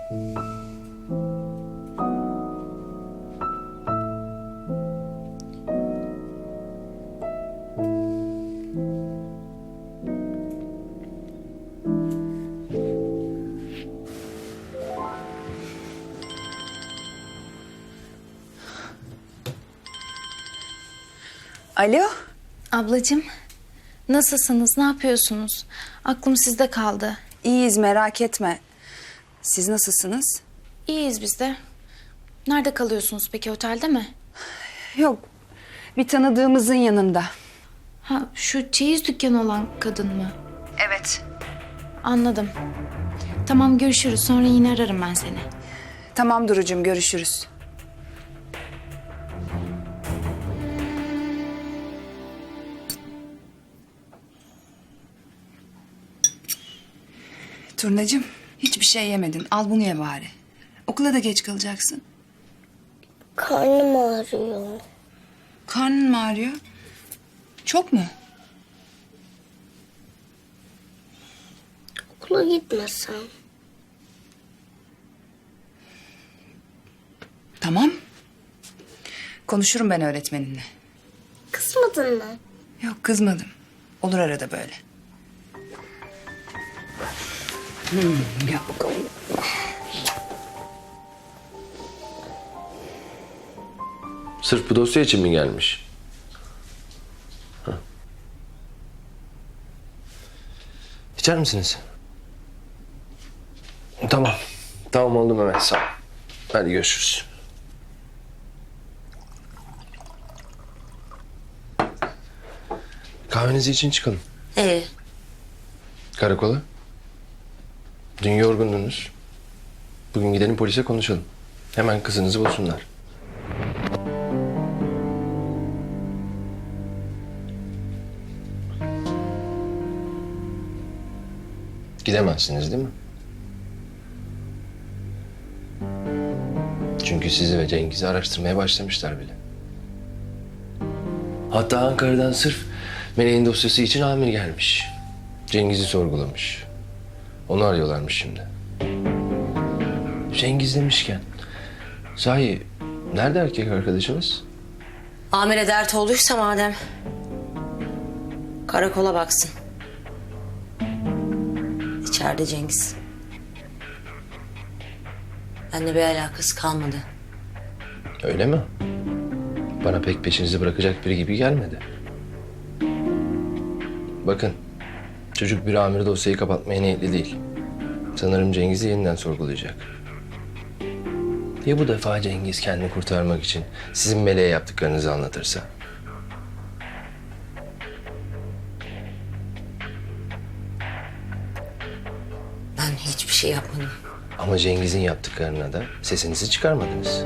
Alo. Ablacığım, nasılsınız, ne yapıyorsunuz? Aklım sizde kaldı. İyiyiz, merak etme. Siz nasılsınız? İyiyiz biz de. Nerede kalıyorsunuz peki, otelde mi? Yok, bir tanıdığımızın yanında. Ha, şu çeyiz dükkanı olan kadın mı? Evet. Anladım. Tamam, görüşürüz. Sonra yine ararım ben seni. Tamam Duru'cum, görüşürüz. Turnacığım, hiçbir şey yemedin. Al bunu ye bari. Okula da geç kalacaksın. Karnım ağrıyor. Karnın mı ağrıyor? Çok mu? Okula gitmesem. Tamam. Konuşurum ben öğretmeninle. Kızmadın mı? Yok, kızmadım. Olur arada böyle. Gel bakalım. Sırf bu dosya için mi gelmiş? Hah. İçer misiniz? Tamam. Tamam oldu Mehmet, sağ ol. Hadi görüşürüz. Kahvenizi için çıkalım. Karakola. Dün yorgundunuz. Bugün gidelim polise konuşalım. Hemen kızınızı bulsunlar. Gidemezsiniz değil mi? Çünkü sizi ve Cengiz'i araştırmaya başlamışlar bile. Hatta Ankara'dan sırf Meleğin dosyası için amir gelmiş. Cengiz'i sorgulamış. Onu arıyorlarmış şimdi. Cengiz demişken, sahi nerede erkek arkadaşınız? Amire dert olduysa madem karakola baksın. İçeride Cengiz. Benimle bir alakası kalmadı. Öyle mi? Bana pek peşinizi bırakacak biri gibi gelmedi. Bakın, çocuk bir amir dosyayı kapatmaya niyetli değil. Sanırım Cengiz'i yeniden sorgulayacak. Ya bu defa Cengiz kendini kurtarmak için sizin Meleğe yaptıklarınızı anlatırsa? Ben hiçbir şey yapmadım. Ama Cengiz'in yaptıklarına da sesinizi çıkarmadınız.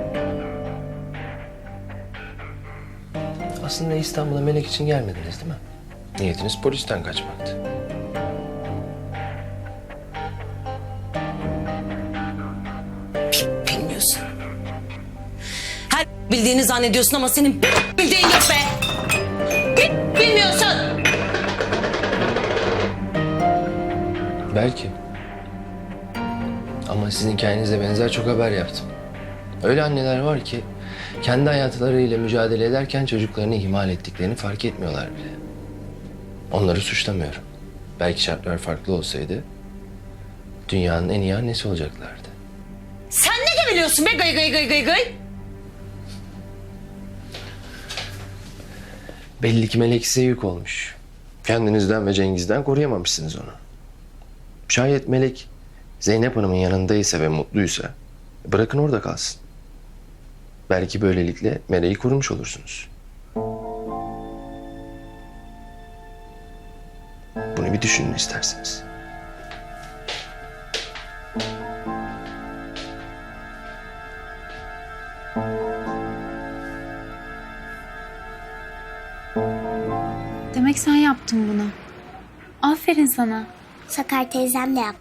Aslında İstanbul'a Melek için gelmediniz değil mi? Niyetiniz polisten kaçmaktı. Bilmiyorsun. Her bildiğini zannediyorsun ama senin bildiğin yok be. Bilmiyorsun. Belki. Ama sizin hikayenize benzer çok haber yaptım. Öyle anneler var ki kendi hayatlarıyla mücadele ederken çocuklarını ihmal ettiklerini fark etmiyorlar bile. Onları suçlamıyorum. Belki şartlar farklı olsaydı dünyanın en iyi annesi olacaklardı. Sen ne biliyorsun be gıy gıy gıy gıy gıy? Belli ki Melek size yük olmuş. Kendinizden ve Cengiz'den koruyamamışsınız onu. Şayet Melek Zeynep Hanım'ın yanındaysa ve mutluysa bırakın orada kalsın. Belki böylelikle Melek'i korumuş olursunuz. Bunu bir düşünün isterseniz. Demek sen yaptın bunu. Aferin sana. Sakar teyzem de yaptık.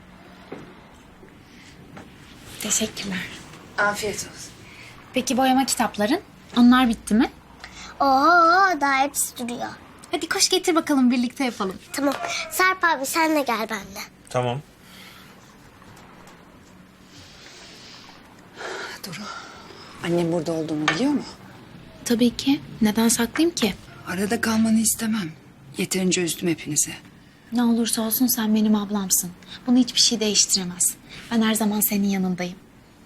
Teşekkürler. Afiyet olsun. Peki boyama kitapların? Onlar bitti mi? Oo, daha hepsi duruyor. Hadi koş getir bakalım, birlikte yapalım. Tamam. Sarp abi sen de gel benimle. Tamam. Duru, annem burada olduğunu biliyor mu? Tabii ki. Neden saklayayım ki? Arada kalmanı istemem. Yeterince üzdüm hepinizi. Ne olursa olsun sen benim ablamsın. Bunu hiçbir şey değiştiremez. Ben her zaman senin yanındayım.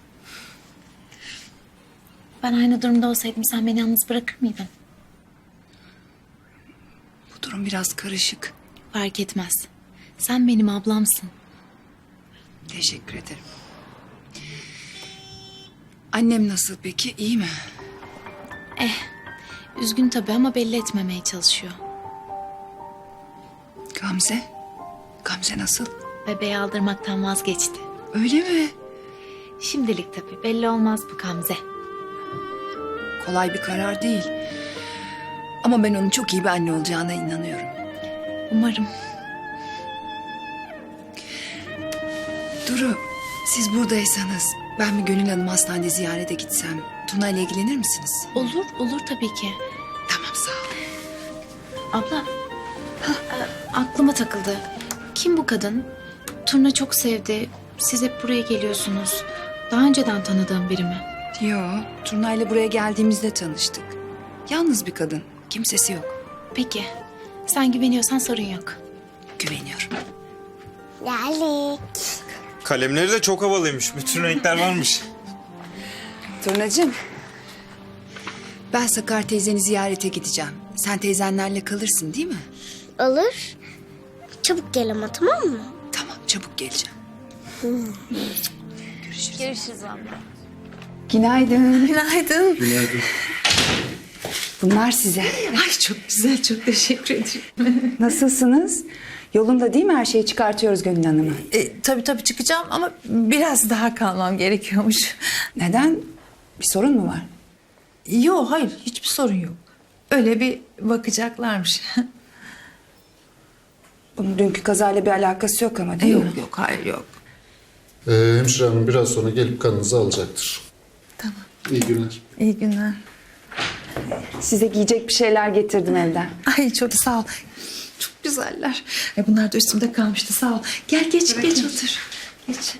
Ben aynı durumda olsaydım sen beni yalnız bırakır mıydın? Bu durum biraz karışık. Fark etmez. Sen benim ablamsın. Teşekkür ederim. Annem nasıl peki? İyi mi? Üzgün tabii ama belli etmemeye çalışıyor. Gamze? Gamze nasıl? Bebeği aldırmaktan vazgeçti. Öyle mi? Şimdilik tabii. Belli olmaz bu Gamze. Kolay bir karar değil. Ama ben onun çok iyi bir anne olacağına inanıyorum. Umarım. Duru, siz buradaysanız ben bir Gönül Hanım hastanede ziyarete gitsem Tuna ile ilgilenir misiniz? Olur, olur tabii ki. Tamam, sağ ol. Abla, aklıma takıldı. Kim bu kadın? Turna çok sevdi. Siz hep buraya geliyorsunuz. Daha önceden tanıdığım biri mi? Yo, Turna ile buraya geldiğimizde tanıştık. Yalnız bir kadın, kimsesi yok. Peki, sen güveniyorsan sorun yok. Güveniyorum. Geldik. Kalemleri de çok havalıymış. Bütün renkler varmış. Turnacığım, ben Sakar teyzeni ziyarete gideceğim. Sen teyzenlerle kalırsın değil mi? Olur. Çabuk gel ama, tamam mı? Tamam, çabuk geleceğim. Görüşürüz. Görüşürüz abla. Günaydın. Günaydın. Bunlar size. Ay çok güzel, çok teşekkür ederim. Nasılsınız? Yolunda değil mi? Her şeyi çıkartıyoruz Gönül Hanım'a. Tabii çıkacağım ama biraz daha kalmam gerekiyormuş. Neden? Bir sorun mu var? Yok, hayır, hiçbir sorun yok. Öyle bir bakacaklarmış. Bunun dünkü kazayla bir alakası yok ama değil mi? Yok, hayır yok. Hemşire hanım biraz sonra gelip kanınızı alacaktır. Tamam. İyi günler. İyi günler. Size giyecek bir şeyler getirdim evden. Ay çok sağ ol. Çok güzeller. Ay, bunlar da üstümde kalmıştı, sağ ol. Gel geç otur. Geç.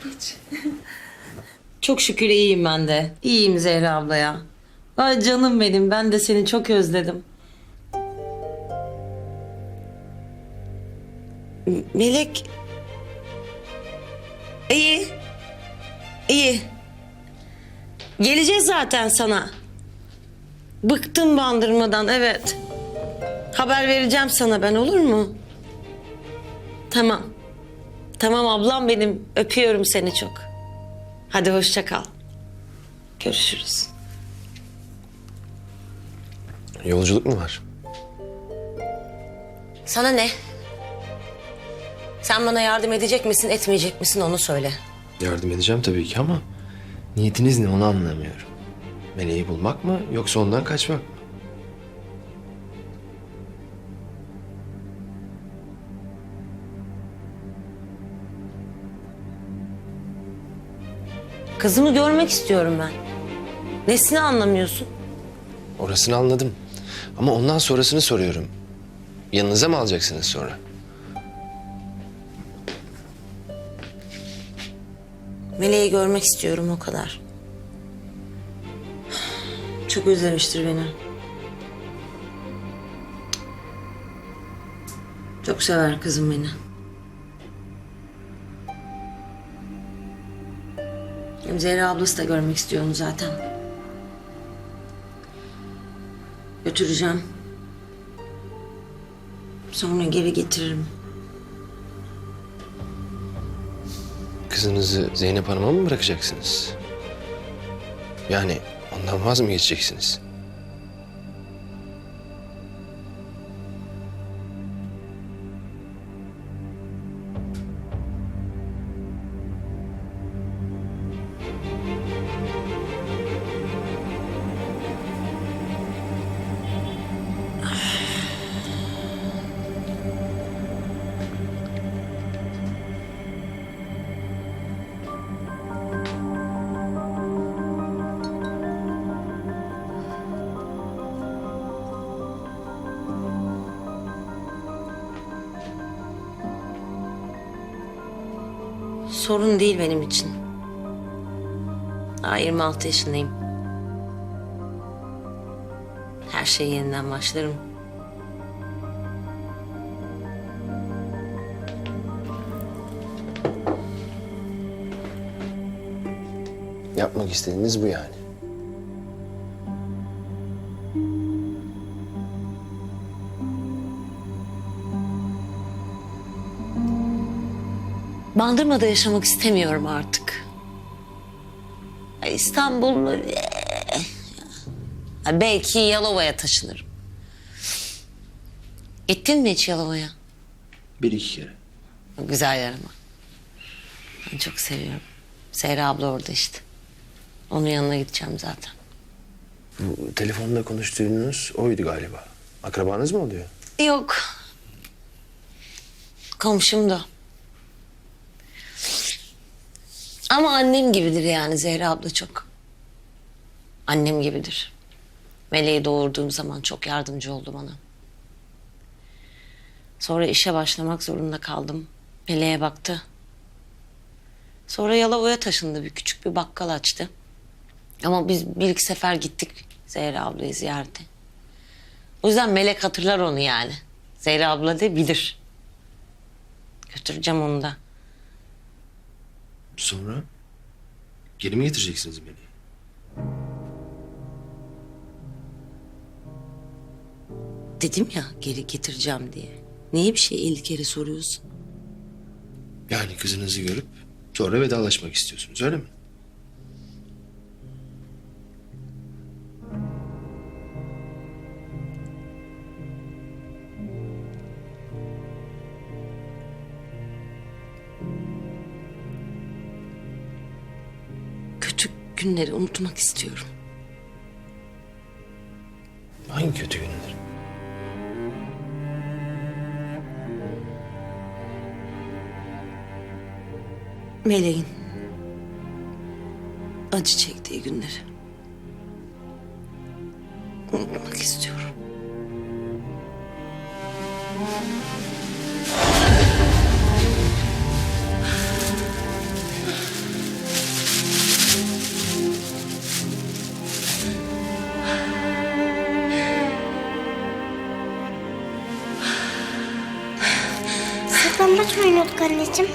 Çok şükür iyiyim ben de. İyiyim Zehra abla ya. Ay canım benim, ben de seni çok özledim. Melek... İyi. İyi. Geleceğiz zaten sana. Bıktım bandırmadan, evet. Haber vereceğim sana ben, olur mu? Tamam. Tamam ablam benim. Öpüyorum seni çok. Hadi hoşça kal. Görüşürüz. Yolculuk mu var? Sana ne? Sen bana yardım edecek misin, etmeyecek misin onu söyle. Yardım edeceğim tabii ki ama niyetiniz ne onu anlamıyorum. Meleği bulmak mı yoksa ondan kaçmak mı? Kızımı görmek istiyorum ben. Nesini anlamıyorsun? Orasını anladım. Ama ondan sonrasını soruyorum. Yanınıza mı alacaksınız sonra? Meleği görmek istiyorum, o kadar. Çok özlemiştir beni. Çok sever kızım beni. Hem Zehra ablası da görmek istiyor onu zaten. Götüreceğim. Sonra geri getiririm. Kızınızı Zeynep Hanım'a mı bırakacaksınız? Yani ondan vaz mı geçeceksiniz? Sorun değil benim için. Daha 26 yaşındayım. Her şeye yeniden başlarım. Yapmak istediğiniz bu yani. Bandırma'da yaşamak istemiyorum artık. İstanbul... belki Yalova'ya taşınırım. Gittin mi hiç Yalova'ya? 1-2 kere. Güzel yer ama. Ben çok seviyorum. Zehra abla orada işte. Onun yanına gideceğim zaten. Bu telefonda konuştuğunuz oydu galiba. Akrabanız mı oluyor? Yok. Komşum da. Ama annem gibidir yani Zehra abla çok. Annem gibidir. Meleği doğurduğum zaman çok yardımcı oldu bana. Sonra işe başlamak zorunda kaldım. Meleğe baktı. Sonra Yalova'ya taşındı. Küçük bir bakkal açtı. Ama biz 1-2 sefer gittik Zehra ablayı ziyarete. O yüzden Melek hatırlar onu yani. Zehra abla da bilir. Götüreceğim onu da. Sonra geri mi getireceksiniz beni? Dedim ya geri getireceğim diye. Niye bir şey 50 kere soruyorsun? Yani kızınızı görüp sonra vedalaşmak istiyorsunuz öyle mi? Kötü günleri unutmak istiyorum. Hangi kötü günler? Meleğin acı çektiği günleri unutmak istiyorum. Saklambaç mı oynuyorduk anneciğim?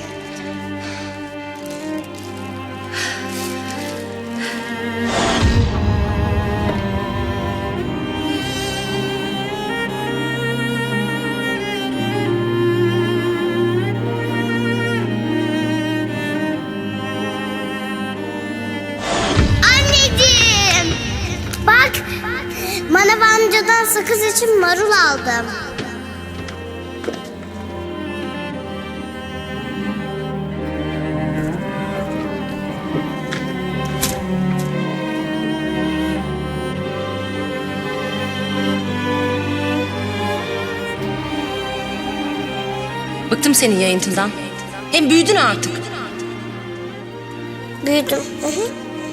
Anneciğim! Bak! Manav amcadan sakız için marul aldım. Bıktım senin yayıntından. Hem büyüdün artık. Büyüdüm. Hı hı.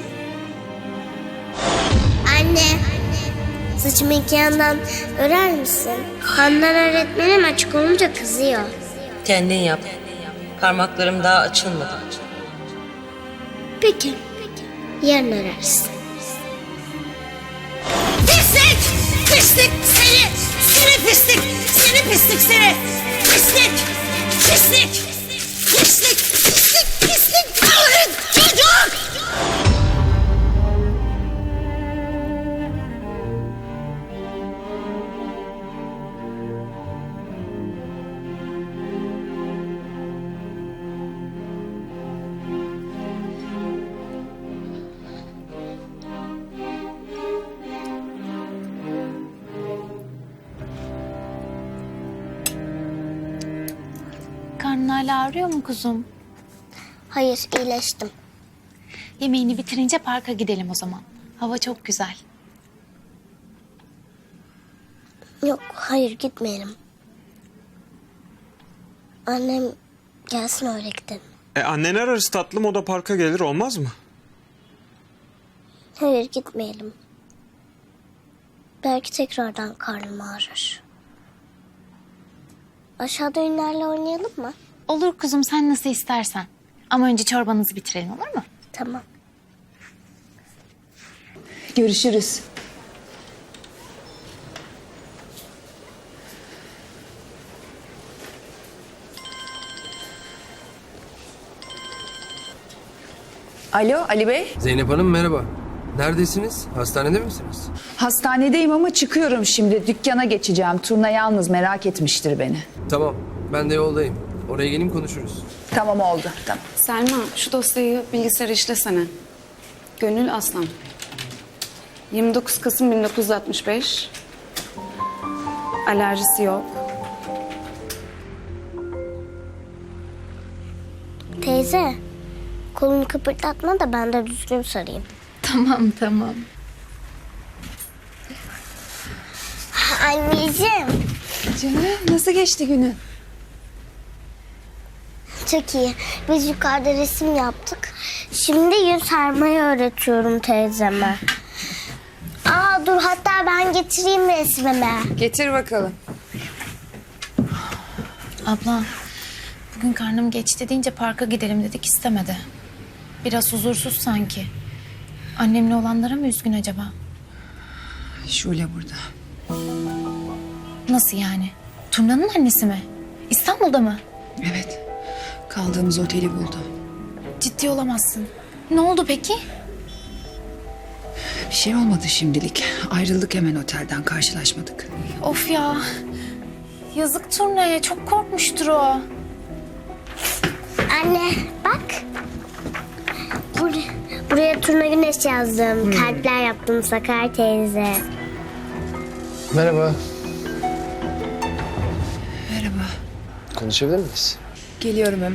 Anne, saçımı iki yandan örer misin? Handan öğretmenim açık olunca kızıyor. Kendin yap. Parmaklarım daha açılmadı. Peki, yarın örersin. Pislik! Pislik seni! Seni pislik! Seni pislik seni! Pislik! Pislik! Pislik! Pislik! Pislik! Lanet çocuk! Karnın hala ağrıyor mu kuzum? Hayır, iyileştim. Yemeğini bitirince parka gidelim o zaman. Hava çok güzel. Yok, hayır gitmeyelim. Annem gelsin öyle gidelim. Annen ararız tatlım, o da parka gelir, olmaz mı? Hayır gitmeyelim. Belki tekrardan karnım ağrır. Aşağıda oyunlarla oynayalım mı? Olur kuzum, sen nasıl istersen. Ama önce çorbanızı bitirelim, olur mu? Tamam. Görüşürüz. Alo Ali Bey. Zeynep Hanım merhaba. Neredesiniz? Hastanede misiniz? Hastanedeyim ama çıkıyorum şimdi. Dükkana geçeceğim. Turna yalnız merak etmiştir beni. Tamam. Ben de yoldayım. Oraya gelin konuşuruz. Tamam oldu. Tamam. Selma, şu dosyayı bilgisayara işlesene. Gönül Aslan. 29 Kasım 1965. Alerjisi yok. Teyze, kolunu kıpırdatma da ben de düzgün sarayım. Tamam tamam. Anneciğim, Canım nasıl geçti günün? çok iyi. Biz yukarıda resim yaptık. Şimdi yüz sarmayı öğretiyorum teyzeme. Aa dur, hatta ben getireyim resmimi. Getir bakalım. Abla, bugün karnım geçti deyince parka gidelim dedik, istemedi. Biraz huzursuz sanki. Annemle olanlara mı üzgün acaba? Şule burada. Nasıl yani? Turna'nın annesi mi? İstanbul'da mı? Evet. Kaldığımız oteli buldu. Ciddi olamazsın. Ne oldu peki? Bir şey olmadı şimdilik. Ayrıldık hemen otelden, karşılaşmadık. Of ya. Yazık Turna'ya, çok korkmuştur o. Anne bak. Buraya Turna Güneş yazdım. Kalpler yaptım Sakar teyze. Merhaba. Merhaba. Konuşabilir miyiz? Geliyorum hemen.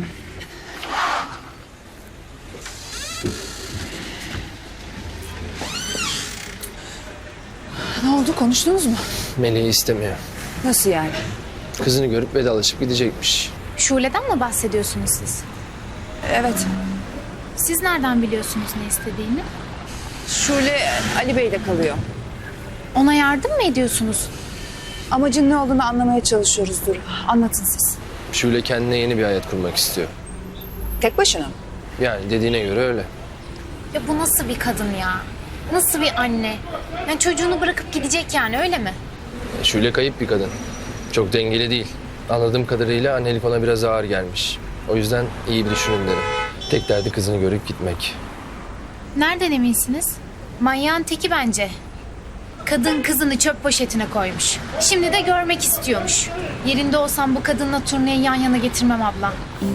Ne oldu, konuştunuz mu? Melih'i istemiyor. Nasıl yani? Kızını görüp vedalaşıp gidecekmiş. Şule'den mi bahsediyorsunuz siz? Evet. Siz nereden biliyorsunuz ne istediğini? Şule Ali Bey'le kalıyor. Ona yardım mı ediyorsunuz? Amacın ne olduğunu anlamaya çalışıyoruz Duru. Anlatın siz. Şule kendine yeni bir hayat kurmak istiyor. Tek başına mı? Yani dediğine göre öyle. Ya bu nasıl bir kadın ya? Nasıl bir anne? Yani çocuğunu bırakıp gidecek yani, öyle mi? Şule kayıp bir kadın. Çok dengeli değil. Anladığım kadarıyla annelik ona biraz ağır gelmiş. O yüzden iyi bir düşünün derim. Tek derdi kızını görüp gitmek. Nereden eminsiniz? Manyağın teki bence. Kadın kızını çöp poşetine koymuş. Şimdi de görmek istiyormuş. Yerinde olsam bu kadınla Turna'yı yan yana getirmem abla.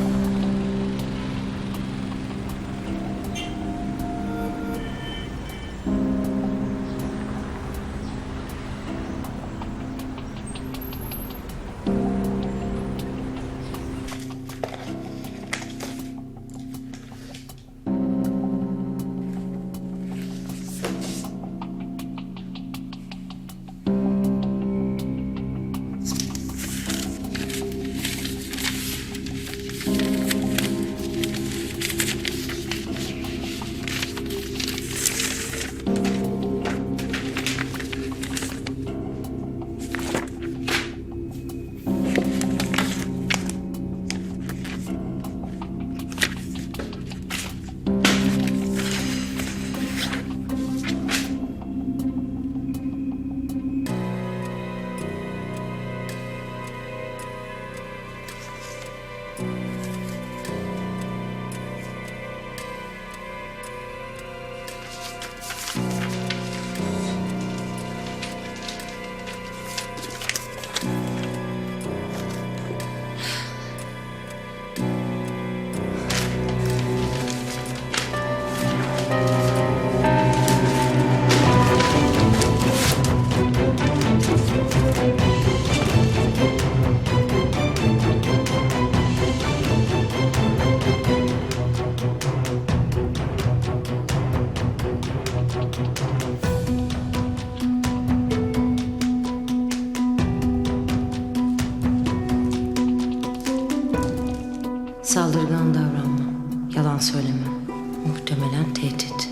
Saldırgan davranma. Yalan söyleme. Muhtemelen tehdit.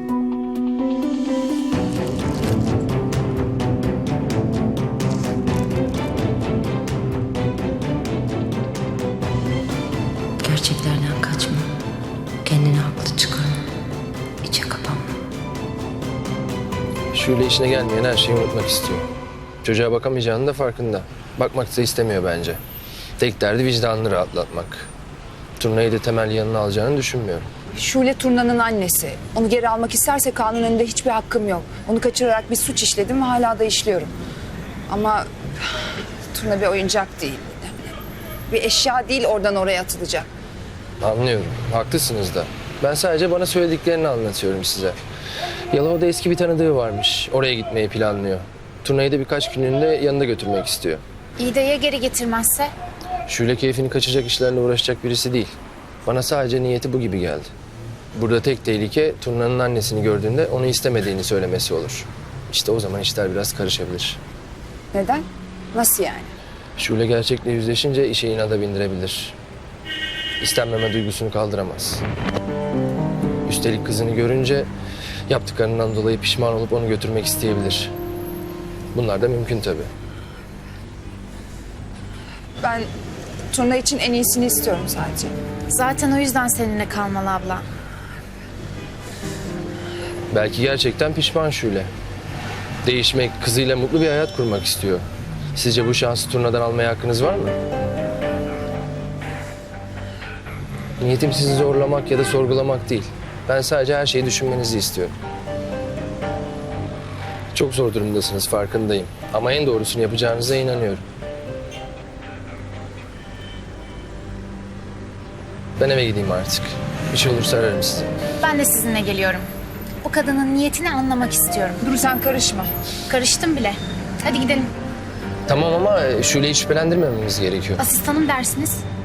Gerçeklerden kaçma. Kendini haklı çıkarma. İçe kapanma. Şule işine gelmeyen her şeyi unutmak istiyor. Çocuğa bakamayacağının da farkında. Bakmak da istemiyor bence. Tek derdi vicdanını rahatlatmak. Turnayı da Temel yanına alacağını düşünmüyorum. Şule Turna'nın annesi. Onu geri almak isterse kanun önünde hiçbir hakkım yok. Onu kaçırarak bir suç işledim ve hala da işliyorum. Ama Turna bir oyuncak değil. Bir eşya değil oradan oraya atılacak. Anlıyorum. Haklısınız da. Ben sadece bana söylediklerini anlatıyorum size. Yalova'da eski bir tanıdığı varmış. Oraya gitmeyi planlıyor. Turnayı da birkaç günlüğünde yanında götürmek istiyor. İyi de ya geri getirmezse? Şule keyfini kaçacak işlerle uğraşacak birisi değil. Bana sadece niyeti bu gibi geldi. Burada tek tehlike Turna'nın annesini gördüğünde onu istemediğini söylemesi olur. İşte o zaman işler biraz karışabilir. Neden? Nasıl yani? Şule gerçekle yüzleşince işe inada bindirebilir. İstenmeme duygusunu kaldıramaz. Üstelik kızını görünce yaptıklarından dolayı pişman olup onu götürmek isteyebilir. Bunlar da mümkün tabii. Ben Turna için en iyisini istiyorum sadece. Zaten o yüzden seninle kalmalı abla. Belki gerçekten pişman Şule. Değişmek, kızıyla mutlu bir hayat kurmak istiyor. Sizce bu şansı Turna'dan almaya hakkınız var mı? Niyetim sizi zorlamak ya da sorgulamak değil. Ben sadece her şeyi düşünmenizi istiyorum. Çok zor durumdasınız, farkındayım. Ama en doğrusunu yapacağınıza inanıyorum. Ben eve gideyim artık. Bir şey olursa ararım sizi. Ben de sizinle geliyorum. Bu kadının niyetini anlamak istiyorum. Dur sen karışma. Karıştım bile. Hadi gidelim. Tamam ama Şule'yi şüphelendirmememiz gerekiyor. Asistanım dersiniz.